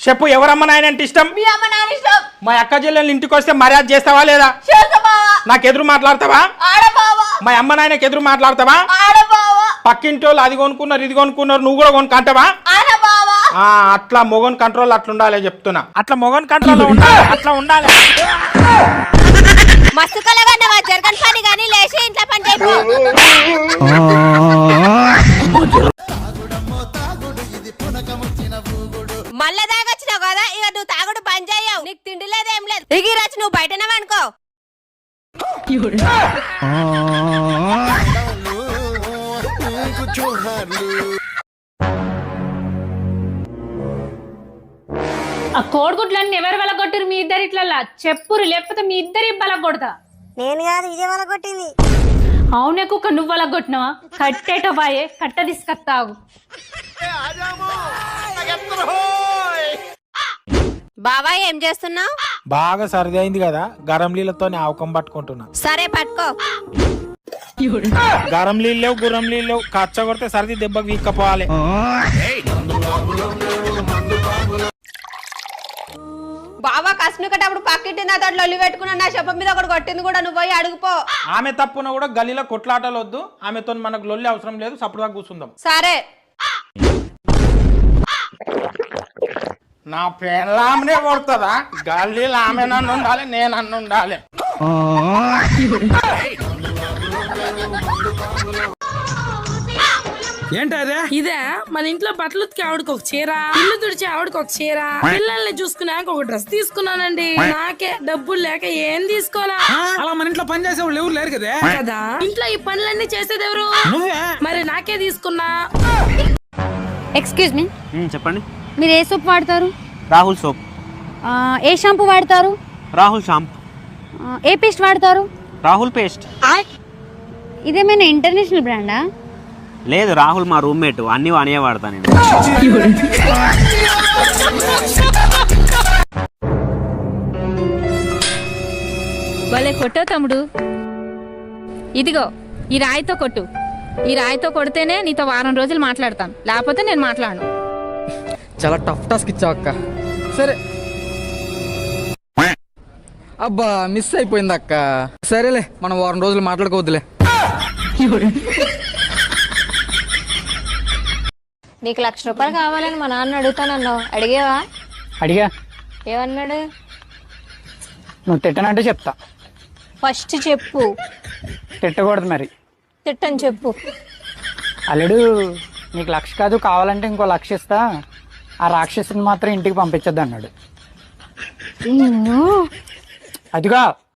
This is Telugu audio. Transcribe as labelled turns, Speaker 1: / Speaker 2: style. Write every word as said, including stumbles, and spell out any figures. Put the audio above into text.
Speaker 1: చెప్పు ఎవరమ్మ నాయన అంటే ఇష్టం?
Speaker 2: మీ అమ్మ నాన్న ఇష్టం.
Speaker 1: మా అక్క చెల్లెలు ఇంటికి వస్తే మర్యాద చేస్తావా లేదా?
Speaker 2: చేస్తా బావా.
Speaker 1: నాకు ఎదురు మాట్లాడతావా?
Speaker 2: ఆడ బావా.
Speaker 1: మా అమ్మ నాయనకి ఎదురు మాట్లాడతావా?
Speaker 2: ఆడ బావా.
Speaker 1: పక్కింటి వాళ్ళు అది కొనుక్కున్నారు ఇది కొనుక్కున్నారు నువ్వు కూడా కొనుక్కంటావా?
Speaker 2: ఆడ బావా.
Speaker 1: ఆ అట్లా మొగన్ కంట్రోల్ అట్లా ఉండాలి చెప్తున్నా. అట్లా మొగన్ కంట్రోల్ ఉండాలి, అట్లా ఉండాలి.
Speaker 2: మస్తు కలగన్నవా జరగని పని గానీ లేచి ఇంట్లో పని చేయకు. మళ్ళా తాగొచ్చినావు కదా, ఇక నువ్వు తాగుడు బంద్ చేయవు. నీకు తిండి లేదు ఏం లేదు. దిగి రచ్చు నువ్వు బయటనే అనుకో.
Speaker 3: ఆ కోడిగుడ్లన్నీ ఎవరు వెలగొట్టిరు? మీ ఇద్దరు ఇట్లా చెప్పురు, లేకపోతే మీ ఇద్దరి బలగొడతా.
Speaker 2: నేను కాదు ఇదే వాళ్ళ కొట్టింది.
Speaker 3: అవునే కుక్క నువ్వు వలగొట్టినావా? కట్టేట బాయే కట్ట తీసుకొస్తావు.
Speaker 2: బావా ఏం చేస్తున్నావు?
Speaker 1: బాగా సర్ది అయింది కదా, గరం నీళ్ళతో ఆవకం పట్టుకుంటున్నా.
Speaker 2: సరే పట్టుకో.
Speaker 1: గరం నీళ్ళు లేవు గుర్రం నీళ్ళు లేవు, కచ్చ కొడితే సర్ది దెబ్బకి వీక్కపోవాలి.
Speaker 2: బావా కసునుకటప్పుడు పక్కింటి నా తోట లొల్లి పెట్టుకున్నా, నా చెప్ప మీద ఒకటి కొట్టింది కూడా, నువ్వు పోయి అడుగుపో.
Speaker 1: ఆమె తప్పున కూడా గల్లీలో కొట్లాటలు వద్దు, ఆమెతో మనకు లొల్లి అవసరం లేదు, సప్పుడుగా కూర్చుందాం.
Speaker 2: సరే.
Speaker 1: నా పెళ్ళామనే కొడుతుందా? గల్లీలో ఆమె నన్ను ఉండాలి, నేను అన్ను ఉండాలి.
Speaker 4: ఏంటదే?
Speaker 5: ఇదే మన ఇంట్లో బట్టలు ఉతికి ఆవిడకి ఒక చీర, ఇల్లు తుడిచి ఆవిడకి ఒక చీర, పిల్లల్ని చూసుకున్నాక ఒక డ్రెస్ తీసుకున్నానండి. నాకే డబ్బులు లేక ఏం తీసుకోనా?
Speaker 4: అలా మన ఇంట్లో పని చేసే వాళ్ళు ఎవరు లేరు కదా
Speaker 5: కదా, ఇంట్లో ఈ పనులన్నీ చేసేది ఎవరు?
Speaker 4: నువ్వే.
Speaker 5: మరి నాకే తీసుకున్నా.
Speaker 6: ఎక్స్క్యూజ్ మీ,
Speaker 7: చెప్పండి.
Speaker 6: మీరు ఏ సోప్ వాడతారు?
Speaker 7: రాహుల్ సోప్.
Speaker 6: ఆ, ఏ షాంపూ వాడతారు?
Speaker 7: రాహుల్ షాంపూ.
Speaker 6: ఆ, ఏ పేస్ట్ వాడతారు?
Speaker 7: రాహుల్ పేస్ట్.
Speaker 6: ఇదేమైనా ఇంటర్నేషనల్ బ్రాండా?
Speaker 7: లేదు, రాహుల్ మా రూమ్మేట్, అన్ని వానే వాడతా నేను.
Speaker 6: భలే కొట్టో తమ్ముడు. ఇదిగో ఈ రాయితో కొట్టు. ఈ రాయితో కొడితేనే నీతో వారం రోజులు మాట్లాడతాను, లేకపోతే నేను మాట్లాడను.
Speaker 4: చాలా టఫ్ టాస్క్ ఇచ్చావు అక్క. సరే. అబ్బా మిస్ అయిపోయింది అక్క. సరేలే, మనం వారం రోజులు మాట్లాడుకోవద్దులే.
Speaker 6: నీకు లక్ష రూపాయలు కావాలని మా నాన్న అడుగుతానన్నావు, అడిగేవా?
Speaker 8: అడిగా.
Speaker 6: ఏమన్నాడు?
Speaker 8: నువ్వు తిట్టనంటే చెప్తా.
Speaker 6: ఫస్ట్ చెప్పు.
Speaker 8: తిట్టకూడదు మరి.
Speaker 6: తిట్టని చెప్పు.
Speaker 8: అల్లుడు నీకు లక్ష కాదు, కావాలంటే ఇంకో లక్ష ఇస్తా, ఆ రాక్షసుని మాత్రం ఇంటికి పంపించద్దు అన్నాడు. అదిగా